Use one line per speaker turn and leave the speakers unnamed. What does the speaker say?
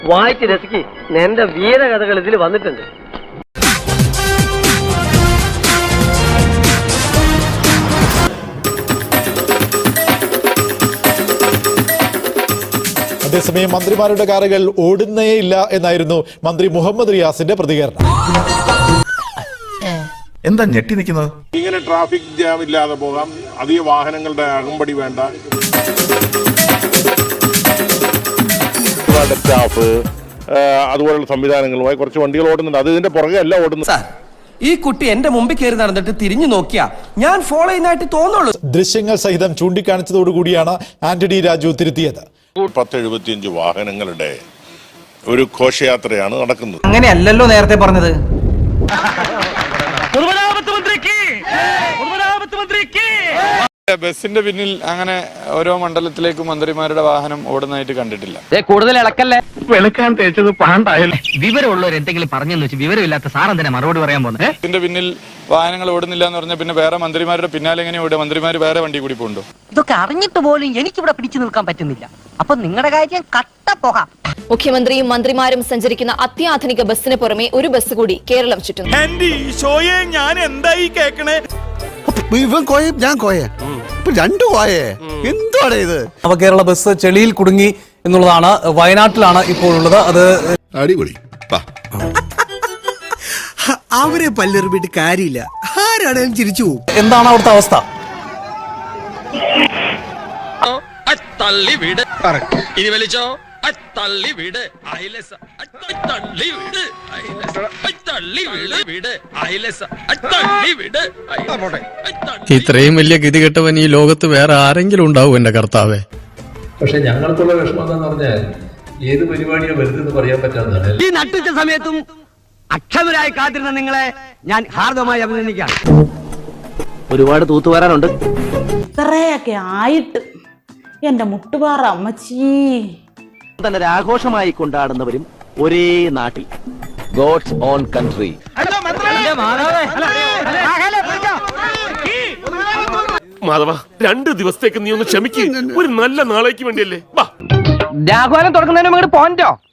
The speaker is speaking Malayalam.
വായിച്ച് രസിക്ക്. എന്റെ വീരകഥകൾ ഇതിൽ വന്നിട്ടുണ്ട്.
അതേസമയം മന്ത്രിമാരുടെ കാറുകൾ ഓടുന്നേയില്ല എന്നായിരുന്നു മന്ത്രി മുഹമ്മദ് റിയാസിന്റെ പ്രതികരണം.
എന്താ ഞെട്ടി നിൽക്കുന്നത്?
ഇങ്ങനെ ട്രാഫിക് ജാം ഇല്ലാതെ പോകാം, അധിക വാഹനങ്ങളുടെ അകമ്പടി വേണ്ട. സ്റ്റാഫ് അതുപോലുള്ള സംവിധാനങ്ങളുമായി കുറച്ച് വണ്ടികൾ ഓടുന്നുണ്ട്. അത് ഇതിന്റെ പുറകെ അല്ല ഓടുന്നത്.
ഈ കുട്ടി എന്റെ മുമ്പിൽ കയറി നടന്നിട്ട് തിരിഞ്ഞു നോക്കിയാ ഞാൻ ഫോളോ ചെയ്യുന്നതായിട്ട് തോന്നുള്ളൂ.
ദൃശ്യങ്ങൾ സഹിതം ചൂണ്ടിക്കാണിച്ചതോടുകൂടിയാണ് ആന്റണി രാജു തിരുത്തിയത്.
1075 വാഹനങ്ങളുടെ ഒരു ഘോഷയാത്രയാണ് നടക്കുന്നത്.
അങ്ങനെയല്ലല്ലോ നേരത്തെ പറഞ്ഞത്.
ബസിന്റെ പിന്നിൽ അങ്ങനെ ഓരോ മണ്ഡലത്തിലേക്കും മന്ത്രിമാരുടെ വാഹനം ഓടുന്നതായിട്ട് കണ്ടിട്ടില്ല.
കൂടുതൽ ഇളക്കല്ലേ.
വെളുക്കാൻ തേച്ചത് പാണ്ടായാലും
വിവരമുള്ളവർ എന്തെങ്കിലും പറഞ്ഞെന്ന് വെച്ച് വിവരമില്ലാത്ത സാറെന്തിനാ മറുപടി പറയാൻ പോകുന്നത്?
ഇതിന്റെ പിന്നിൽ വാഹനങ്ങൾ ഓടുന്നില്ല എന്ന് പറഞ്ഞാൽ പിന്നെ വേറെ മന്ത്രിമാരുടെ പിന്നാലെ എങ്ങനെ ഓടുക? മന്ത്രിമാർ വേറെ വണ്ടി കൂടി പോകണ്ടോ?
ഇതൊക്കെ അറിഞ്ഞിട്ട് പോലും എനിക്കിവിടെ പിടിച്ചു നിൽക്കാൻ പറ്റുന്നില്ല. അപ്പൊ നിങ്ങളുടെ കാര്യം കട്ട പോകാം.
മുഖ്യമന്ത്രിയും മന്ത്രിമാരും സഞ്ചരിക്കുന്ന അത്യാധുനിക ബസ്സിന് പുറമെ ഒരു ബസ് കൂടി കേരളം ചുറ്റുന്നു.
ഞാൻ എന്തായി കേക്കണേ?
എന്താണ് ഇത്?
നവകേരള ബസ് ചെളിയിൽ കുടുങ്ങി എന്നുള്ളതാണ്. വയനാട്ടിലാണ് ഇപ്പോഴുള്ളത്. അത്
അടിപൊളി.
അവരെ പല്ലെറിഞ്ഞിട്ട് കാര്യമില്ല. ആരാണേലും ചിരിച്ചു പോകും.
എന്താണ് അവിടുത്തെ അവസ്ഥ?
ഇനി വലിച്ചോ.
ഇത്രയും വലിയ ഗതികെട്ടവൻ ഈ ലോകത്ത് വേറെ ആരെങ്കിലും ഉണ്ടാവും എന്റെ കർത്താവേ.
പക്ഷെ ഞങ്ങൾക്കുള്ള വിഷമം എന്താന്ന് പറഞ്ഞാൽ ഏത് പരിപാടിയാണ് വരുന്നത് പറയാൻ പറ്റാത്തതാണ്.
ഈ നട്ടുച്ച സമയത്തും അക്ഷമരായി കാത്തിരുന്ന നിങ്ങളെ ഞാൻ ഹാർദമായി അഭിനന്ദിക്കാം. ഒരുപാട് തൂത്തുവരാനുണ്ട്.
ഇത്രയൊക്കെ ആയിട്ട് എന്റെ മുട്ടുപാറ അമ്മച്ചി
തന്നെ ആഘോഷമായി കൊണ്ടാടുന്നവരും ഒരേ നാട്ടിൽ. God's own country.
മാധവ, 2 ദിവസത്തേക്ക് നീ ഒന്ന് ക്ഷമിക്ക്. ഒരു നല്ല നാളേക്ക് വേണ്ടിയല്ലേ.
രാഘവനം തുടങ്ങുന്നതിന് പോയിന്റോ?